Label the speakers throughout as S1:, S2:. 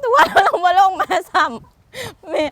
S1: ตัวเรามาลงมาซ้ำแม่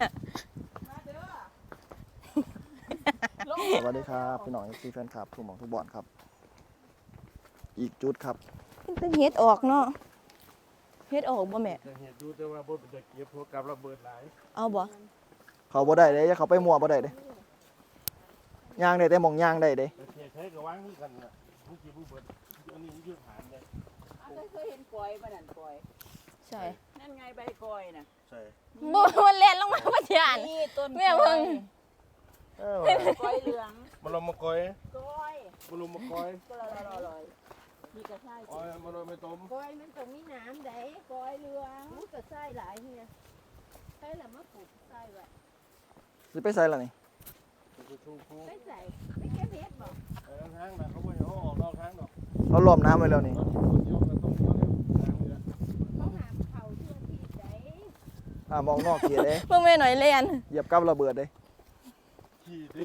S2: สวัสดีครับพี่น้องซีแฟนคลับทุกหมองทุกบอลครับอีกจุดครับ
S1: แต่เฮ็ดออกเนาะเฮ็ดออกบ่แม่
S3: จะเห็นดูแต่ว่าบนเป็นจะเก็บพวกกับระเบิดหลาย
S1: เอาบ่
S2: เขาบ่ได้เด้อย่าเขาไปมัวบ่ได้เด้ย่างได้แต่หมองย่างได้เด้
S3: แต่เทียใช้กับว่างที่กันน่ะผู้กี่ผู้เบิดอันนี้ยืดหานเลย
S4: เคยเห็นกอยบ้านนั่นกอย
S1: ใช่
S4: นั่นไงใบกอยน่ะ
S3: ใช่
S1: บ่มันเล่นลงมาบ่ยาน
S4: นี่ต้น
S1: แม่เบิ่ง
S4: กอยเหลือง
S3: มาลงมะกอย
S4: กอย
S3: มาลงมะกอย
S4: ก็ลอยมีกระชาย
S3: อ้อยมาลงไม่ต้ม
S5: กอยมันต้องมีน้ำได้กอยเหลืองมันก็ใส่หลายเนี่ยใส่แล้วมาปลูกใส่ไว้
S2: สิไปใส่ละนี่
S3: ชูชูคู
S5: ไปใส่ไม่แค่เพชรบอก
S3: ทางน่ะเขาไม่เขาออกนอกทางดอก
S2: เราล้อมน้ำไว้แล้วนี่
S3: คนเดียวกันต้องเดียวเนี่ยทางเรือ
S5: เขาหามเขาเชื่อที่ไหน
S2: มองนอกเขียเด้
S1: เบิ่งแม่หน่อยเล่น
S2: เหยียบกับระเบิดเด้
S3: ขี่ดิ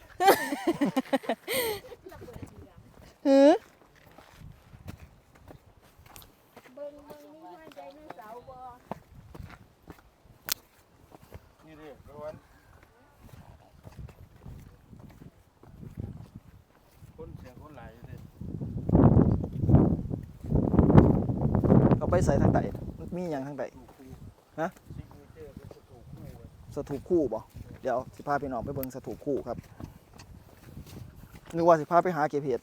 S1: หือ
S5: เบิ่งมีหัวใจในเสาบ่
S3: นี่ดิประวันคนเสียงคนหลายอยู่ดิ
S2: เขาไปใส่ทางใดมันมีหยังทางใด
S3: ถูกคู่
S2: ฮะ
S3: ซิกเนเจอร์เป็นถูกคู่เลย
S2: สถูปคู่บ่เดี๋ยวสิพาพี่น้องไปเบิ่งสถูปคู่ครับนึกว่าสิพาไปหาเก็บเห็ด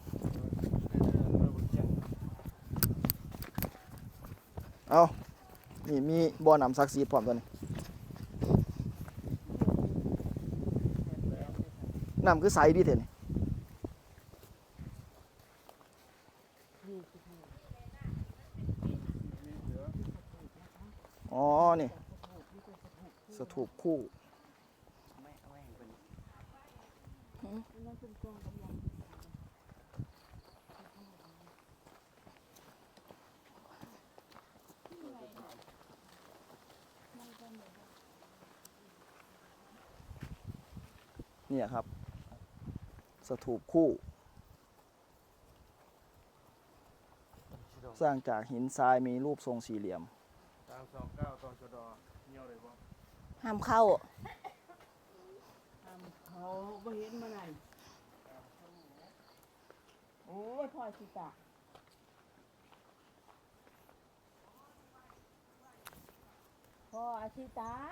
S2: เอานี่มีบ่อน้ำศักดิ์สิทธิ์พร้อมตัวนี้น้ำคือใสดีเถอะนี่อ๋อ นี่สถูปคู่ เนี่ยครับ สถูปคู่ สร้างจากหินทรายมีรูปทรงสี่เหลี่ยม
S3: 329ตชดเงี้ยวเลยบ่
S1: ห้ามเข้า
S4: เขาไม่เห็นมาไหนโอ้ยพ่อชิตาพ่ออาชิตา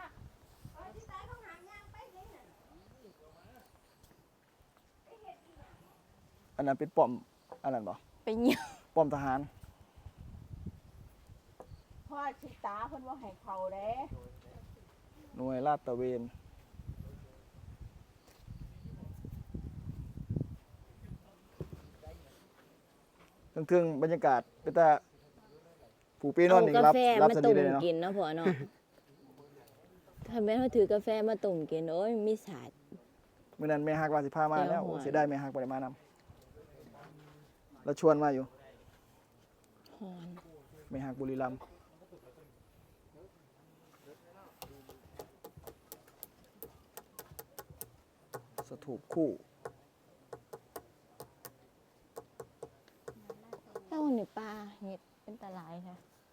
S2: อันนั้นเป็นป้อม อันนั้นบ่
S1: ไปเหี่ยว
S2: ป้อมทหาร
S4: พ่อชิตาเพิ่นว่าให้เขาเด้
S2: หน่วยลาดตระเวนเครื่องบรรยากาศเป็นตาผู้ปีนอนหนึ่ง
S1: เอา
S2: รั
S1: กา
S2: บ
S1: แฟ
S2: รับ
S1: มา
S2: ส
S1: ต้
S2: นิ
S1: ม
S2: ทเลยเนาะ
S1: กินเนาะพ่อเนาะถ้าแม่นเขาถือกาแฟมาต้มกินโอ้ยมีสาด
S2: เมื่อนั้นแม่ฮักว่าสิพามา
S1: เดี๋
S2: แล้
S1: ยว ว
S2: โอ้
S1: หอย
S2: เสียดายแม่ฮักบ่ได้มานำแล้วชวนมาอยู่
S1: หอน
S2: แม่ฮักบุรีรัมย์สถูปคู่
S1: เจ้านี่ปลาเห็ดเป็นตะหลายค่ะ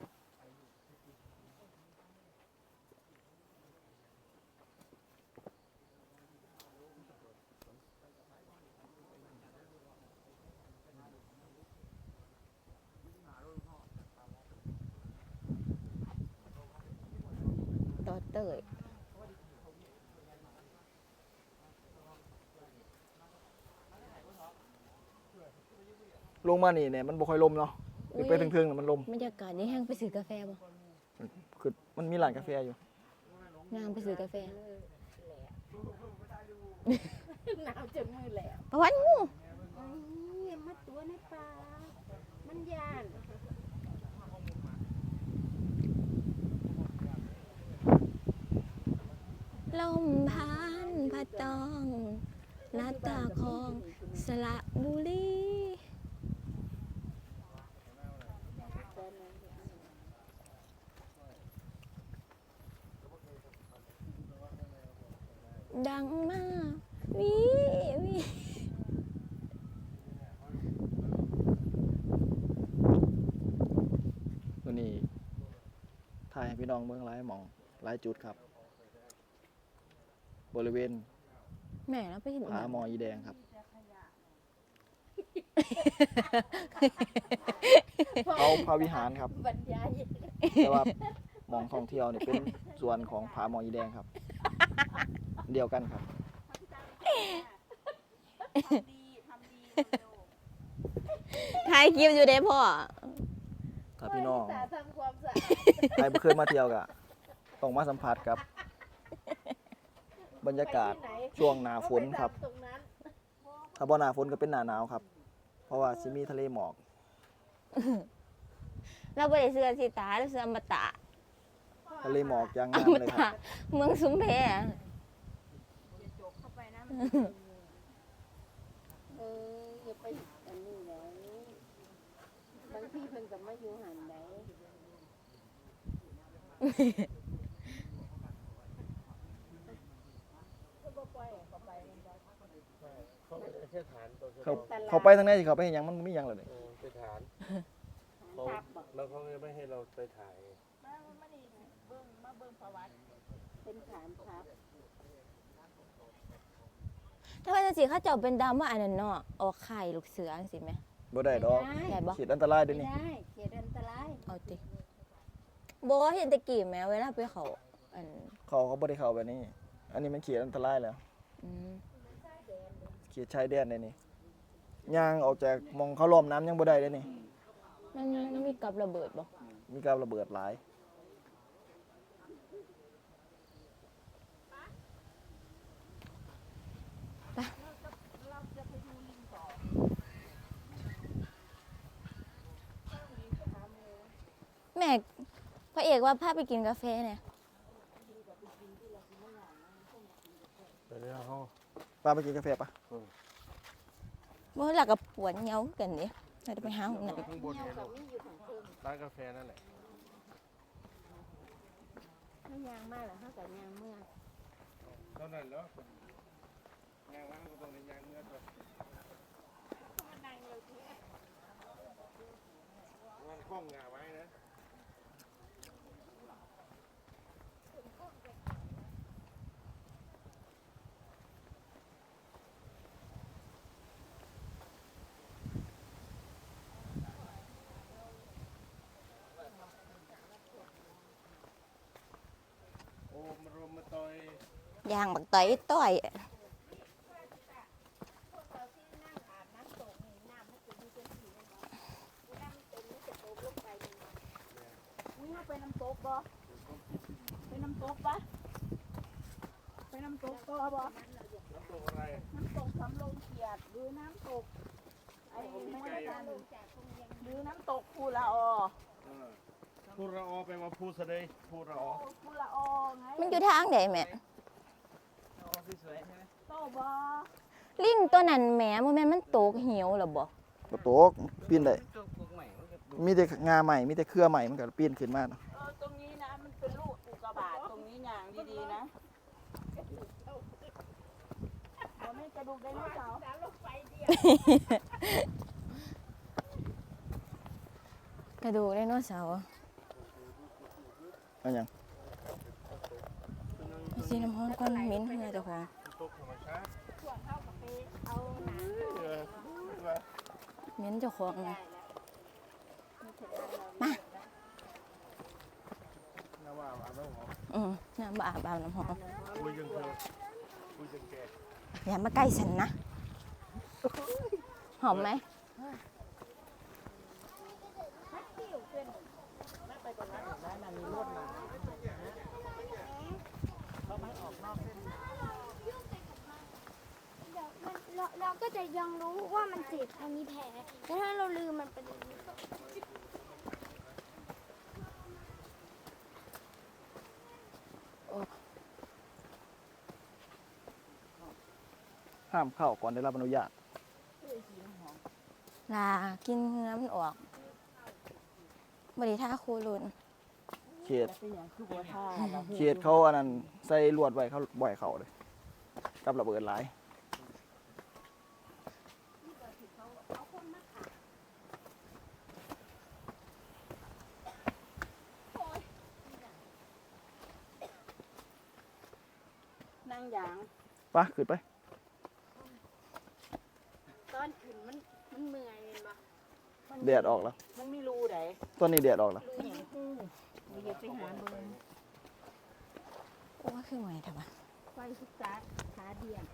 S1: ต่อเตย
S2: ลงมานี่เนี่ยมันบ่ค่อยลมเนาะขึ้นไปถึงๆน่ะมันลม
S1: บรรยากาศนี่แห้งไปซื้อกาแฟบ่
S2: คือมันมีร้านกาแฟอยู่
S1: นางไปซื้อกาแฟ
S5: หนาวจนมือแหลว
S1: ประวันงู
S5: ไอ้มาตัวในป่ามันยาน
S1: ลมพันพัดตองหน้าตาของสระบุรีดังมากวิวิ
S2: ตัวนี้ถ่ายให้พี่น้องเบิ่งหลายหม่องหลายจุดครับ บริเวณ
S1: แม่เราไปเห็น
S2: ผาหมออีแดงครับ เขาพระวิหารครับ
S5: บรรยาย
S2: แต่ว่าหมองท่องเที่ยวนี่เป็นส่วนของผาหมออีแดงครับ เดียวกันครับ
S1: ถ่ายคลิปอยู่เด้พ่อ
S2: ถ้าพี่น้อง
S5: ตาทำความสะอาด
S2: ใครบ่เคยมาเที่ยวก็ต้องมาสัมผัสกับบรรยากาศช่วงหน้าฝนครับ
S5: ตรงนั้น
S2: ถ้าบ่หน้าฝนก็เป็นหน้าหนาวครับ เพราะว่าสิมีทะเลหมอก
S1: เราบ่ได้เสื้อสีตาเราเสื้ออมตะ
S2: ทะเลหมอกอย่าง
S1: อ
S2: งาม
S1: ม
S2: เลยค
S1: ตะ
S2: รับ
S1: เมืองสุมเพ
S5: เอออย่าไปอันนี้เลยบางทีเพิ่นก็มาอยู่หันไหน
S3: เขาไปแค่ฐานตัว
S2: เขาไปทางไหนสิเขาไปเฮ็ดหยังมันบ่มีหยังเลย
S3: ไปฐานเขาแล้วเขาไม่ให้เราไปถ่าย
S5: เป็นฐานทัพ
S1: ถ้าว่าจังซี่เขาเจ้าเป็นดาวมาอันนั้นเนาะออกไข่ลูกเสือจังซี่แหม
S2: บ่ได้ดอก
S1: ได้บ่
S2: ขีดอันตรายเด้
S5: ไม่
S2: อนี่
S5: ได้เขตอันตราย
S1: เอาติบ่เห็นแตะกี้แหมเวลาไปเขาอัน
S2: เขาบ่ได้เข้าแบบนี้ อันนี้มันขีดอันตรายแล้ว
S1: อืม
S2: ขีดชายแดนได้นี่ย่างออกจากหมองเขาล้อมน้ำยังบ่ได้เด้อนี่
S1: มันมีกับระเบิดบ่
S2: มีการระเบิดหลาย
S1: แม่พระเอกว่าพาไปกินกาแฟเนี่ย
S3: ไปเรื่องเขา
S2: ป้าไปกินกาแฟปะ
S1: บ่หลักกับปวดเหงากันนี่เราจะไปหาห้องน้ำ
S3: ข้างบน
S5: เงา
S3: เนี่ย
S5: กับมีอยู่ของเพิ่ม
S3: ร้านกาแฟนั่นแหละ
S5: ถ้ายางมากแล้วเขากับยางเมื่อ
S3: เท่านั้นแล้วยางร้านก็ต้องในยางเนื้อตัวมันคล้องงาไว้นะ โอ้มารวมมาต่อย
S1: ย่างบักต้อยต้อย
S4: นี่เอาไปน้ำตกบ่ไปน้ำตกปะไปน้ำตกก็บ่
S3: น้ำตกอะไร
S4: น้ำตกสำโรงเกียรติหรือน้ำตกไอ้ไม่ได้กันหรือน้ำตกภูละออ
S3: พูดระอไปว่าพูดเสดยพูดระอ
S4: ภูละออไง
S1: มันอยู่ทางไหนแม่
S4: โตบ่
S1: ลิงตัวนั้นแหมบ่แม่นมันตกเหี่ยวหรอบ่
S2: บ่ตกปีนได้มีแต่งาใหม่มีแต่เครือใหม่มันก็ปีนขึ้นมาเนาะ
S4: ตรงนี้นะมันเป็นลูกอุกกาบาตตรงนี้อย่างดีๆนะบ่แม่นกระดูกไดโนเสาร์
S1: กระดูกไดโนเสาร์
S2: เอาหยัง
S1: สีน้ำหอมก้อนเหม็นเฮือเจ้าของ
S3: ตกธรรมชาติ
S1: เหม็นเจ้าของนะ
S3: น้ำว่าอาบน้ำหอม
S1: น้ำบ่อาบน้ำหอม
S3: คุยยังเธอคุยยังแก่
S1: อย่ามาใกล้ฉันนะหอมไหม
S6: เราก็จะยังรู้ว่ามันเจ็บมันมีแผลแต่ถ้าเราลืมมันเป็นอย่างนี้
S2: ห้ามเข้าก่อนได้รับอนุญาต
S1: ลากินเนื้อมันออกบริท่าคูรุน
S2: เขต
S4: เป็นอย่างคือบัวท่าเรา
S2: เขตเขาอันนั้นใส่ลวดไว้เขาบ่อยเขาเลยกับระเบิดหลาย
S4: ยาง
S2: ไปขึ้นไป
S4: ตอนขึ้นมันเมื่อยเห็นปะ
S2: แดดออกแล้ว
S4: มันไม่รู้ไหน
S2: ตอนนี้แดดออกแล้ว
S4: รู้อย่างเดี๋ยวไปหาเบอร์
S1: โอ้ยคือไงทำไม
S4: ไฟศึกษาขาเดียง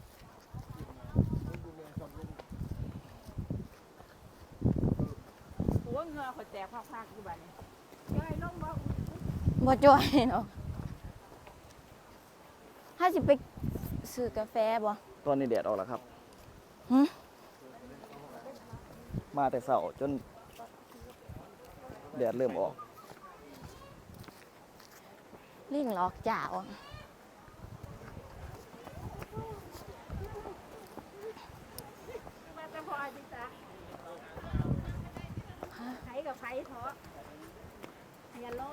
S4: หัวเงือขอแตกภาคๆอยู่บ้านนี้ย่อยลงบ่
S1: บ่จ่อยเนาะถ้าสิไปซื้อกาแฟบ่
S2: ตอนนี้แดดออกแล้วครับ
S1: หึ
S2: มาแต่เช้าจนแดดเริ่มออก
S1: ลิงหลอกจ่าวอะ
S4: มาแต่พอจิตาไผกับไผเถอะอย่าร้อง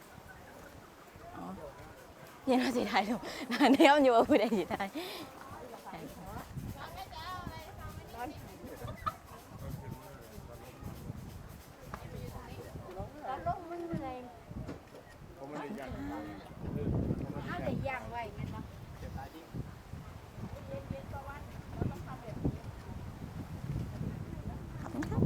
S1: เย็นเราสิได้ดูเนี่ยมันอยู่ว่าผู้ใดสิได้
S4: ตอนลงมันเหนื่อย
S3: เขาไม่ได้ยัง
S4: เอาแต่ย่างไว้แม่นบ่
S1: ขอบคุณครับ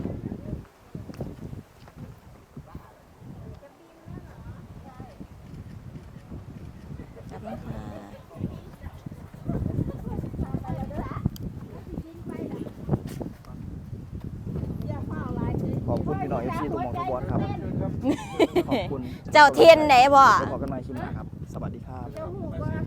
S1: ขอบคุณค่ะ
S4: อย่าเฝ้าหลายเลย
S2: ขอบคุณพี่น้อง FC ทุกหม่องทุกบอลครับ ขอบคุณ
S1: เจ้าเทียนไหนบ่
S2: เดี๋ยวพบกันใหม่คลิปหน้าครับ สวัสดีครับ
S4: เจ้าหูว่า